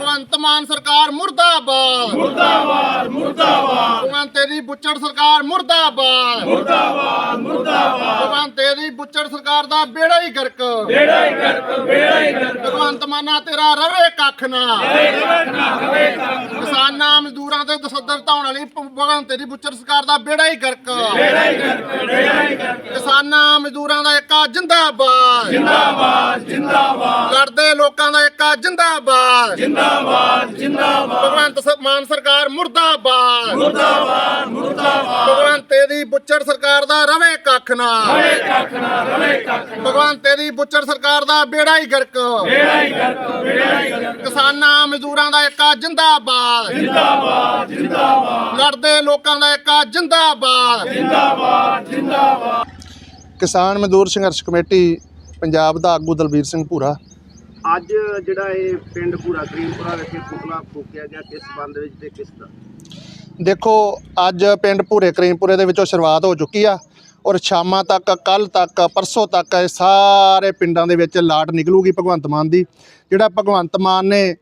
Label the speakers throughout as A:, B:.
A: भगवंत मान सरकार मुर्दाबाद
B: मुर्दाबाद मुर्दाबाद
A: भगवंत तेरी बुच्चड़ सरकार मुर्दाबाद
B: मुर्दाबाद मुर्दाबाद
A: भगवंत तेरी बुच्चड़ सरकार दा बेड़ा ही गर्क
B: बेड़ा ही गर्क
A: भगवंत माना तेरा रवे कख ना किसानां मजदूरां ते दसदर ढाउण वाली भगवंत तेरी बुच्चड़ सरकार दा बेड़ा ही गर्क किसानां मजदूरां दा इक्का जिंदाबाद
B: जिंदाबाद जिंदाबाद
A: लड़दे लोकां दा इक्का जिंदाबाद
B: जिंदाबाद जिंदाबाद
A: भगवंत मान सरकार मुर्दाबाद
B: मुर्दाबाद मुर्दाबाद
A: भगवंत तेरी बुच्चड़ सरकार दा रवे कख ना भगवंत तेरी बुच्चड़ सरकार दा बेड़ा ही गर्क किसानां मजदूरां दा इक्का जिंदाबाद
B: जिंदाबाद जिंदाबाद
A: लड़दे लोकां दा इक्का जिंदाबाद
B: जिंदाबाद जिंदाबाद
A: किसान मजदूर संघर्ष कमेटी पंजाब दा आगू दलबीर सिंह भूरा।
C: ਅੱਜ ਜਿਹੜਾ ਇਹ ਪਿੰਡ ਭੂਰਾ ਕਰੀਮਪੁਰਾ ਵਿਖੇ ਪੁਤਲਾ ਫੂਕਿਆ ਗਿਆ ਕਿਸ ਸੰਬੰਧ ਵਿੱਚ ਤੇ ਕਿਸ ਦਾ
A: देखो अज पिंड भूरे करीमपुरे दे विचों शुरुआत हो चुकी आ और शामां तक कल तक परसों तक सारे पिंडां दे विच लाट निकलूगी भगवंत मान दी। जिहड़ा भगवंत मान ने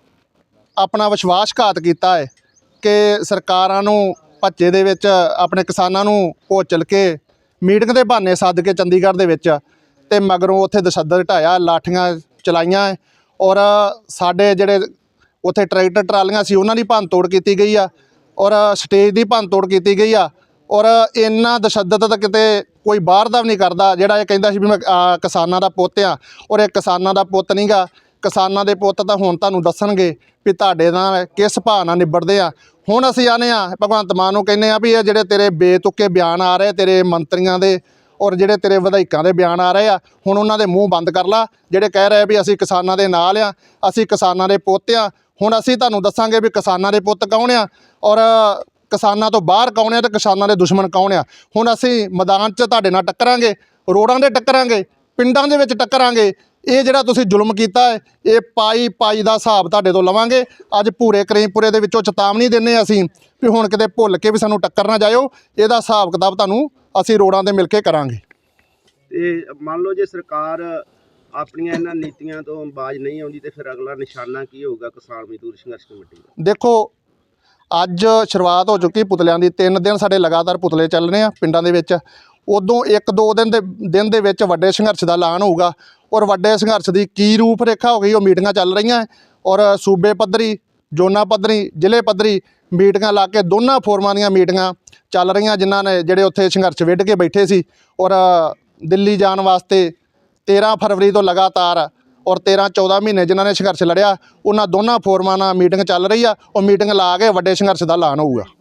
A: अपना विश्वासघात कीता है कि सरकारां नूं भज्जे दे विच अपने किसानां नूं भोचल के मीटिंग दे बहाने सद के चंडीगढ़ दे विच ते मगरों उत्थे दसदर ढाया लाठियां चलाइयां और साडे जिहड़े उत्थे ट्रैक्टर ट्रालियां सी उन्हां दी भंन तोड़ कीती गई आ और स्टेज की भंन तोड़ की गई आ और इन्ना तशद्दद तो किते कोई बाहर का भी नहीं करता। जिहड़ा ये कहंदा सी भी मैं किसानां दा पुत्त आ और ये किसानां दा पुत्त नहीं गा। किसानां दे पुत्त तां हुण तुहानूं दस्सणगे भी तुहाडे नाल किस भाव नाल निबड़दे आ। हुण असीं आने आ भगवंत मान नूं कहने आ भी ये जिहड़े तेरे बेतुके बयान आ रहे तेरे मंत्रियों के और जिहड़े तेरे विधायकों के बयान आ रहे आ हुण उन्हां दे मूँह बंद कर ला। जिहड़े कह रहे भी असीं किसानां दे नाल आ असीं किसानां दे पुत्त आ हुण असीं तुहानूं दस्सांगे भी किसानां दे पुत्त कौन आ और किसानां तो बाहर कौन है तो किसानां दे दुश्मन कौन आ। हुण असीं मैदान 'च तुहाडे नाल टक्करांगे रोडां दे टक्करांगे पिंडां दे विच टक्करांगे। ये जिहड़ा तुसीं जुल्म कीता है ये पाई पाई दा हिसाब तुहाडे तो लवांगे। अज भूरे करीमपुरे दे विचों चेतावनी दिंदे असीं भी हुण किते भुੱਲ के भी सानूं टक्कर ना जाओ। इहदा हिसाब किताब तुहानूं असीं रोडां ते मिल के करांगे।
C: ਤੇ ਮੰਨ ਲਓ ਜੇ ਸਰਕਾਰ ਆਪਣੀਆਂ ਇਹਨਾਂ ਨੀਤੀਆਂ ਤੋਂ ਬਾਜ਼ ਨਹੀਂ ਆਉਂਦੀ ਤੇ ਫਿਰ ਅਗਲਾ ਨਿਸ਼ਾਨਾ ਕੀ ਹੋਊਗਾ ਕਿਸਾਨ ਮਜ਼ਦੂਰ ਸੰਘਰਸ਼ ਕਮੇਟੀ ਦਾ।
A: देखो ਅੱਜ शुरुआत हो चुकी पुतलियां दी 3 दिन साडे लगातार पुतले ਚੱਲ ਰਹੇ ਆ ਪਿੰਡਾਂ ਦੇ ਵਿੱਚ। ਉਦੋਂ 1-2 ਦਿਨ ਦੇ ਵਿੱਚ ਵੱਡੇ ਸੰਘਰਸ਼ ਦਾ ਐਲਾਨ ਹੋਊਗਾ ਔਰ ਵੱਡੇ ਸੰਘਰਸ਼ ਦੀ ਕੀ ਰੂਪ ਰੇਖਾ ਹੋ ਗਈ ਉਹ ਮੀਟਿੰਗਾਂ ਚੱਲ ਰਹੀਆਂ ਔਰ ਸੂਬੇ ਪੱਧਰੀ ਜ਼ੋਨਾਂ ਪੱਧਰੀ ਜ਼ਿਲ੍ਹੇ ਪੱਧਰੀ ਮੀਟਿੰਗਾਂ ਲਾ ਕੇ ਦੋਨਾਂ ਫੋਰਮਾਂ ਦੀਆਂ ਮੀਟਿੰਗਾਂ ਚੱਲ ਰਹੀਆਂ ਜਿਨ੍ਹਾਂ ਨੇ ਜਿਹੜੇ ਉੱਥੇ ਸੰਘਰਸ਼ ਵਿੱਢ ਕੇ ਬੈਠੇ ਸੀ ਔਰ ਦਿੱਲੀ ਜਾਣ ਵਾਸਤੇ 13 ਫਰਵਰੀ ਤੋਂ ਲਗਾਤਾਰ और 13-14 महीने जिन्होंने संघर्ष लड़िया उन्होंने दोनों फोरमां नाल मीटिंग चल रही है और मीटिंग ला के वड्डे संघर्ष का ऐलान होगा।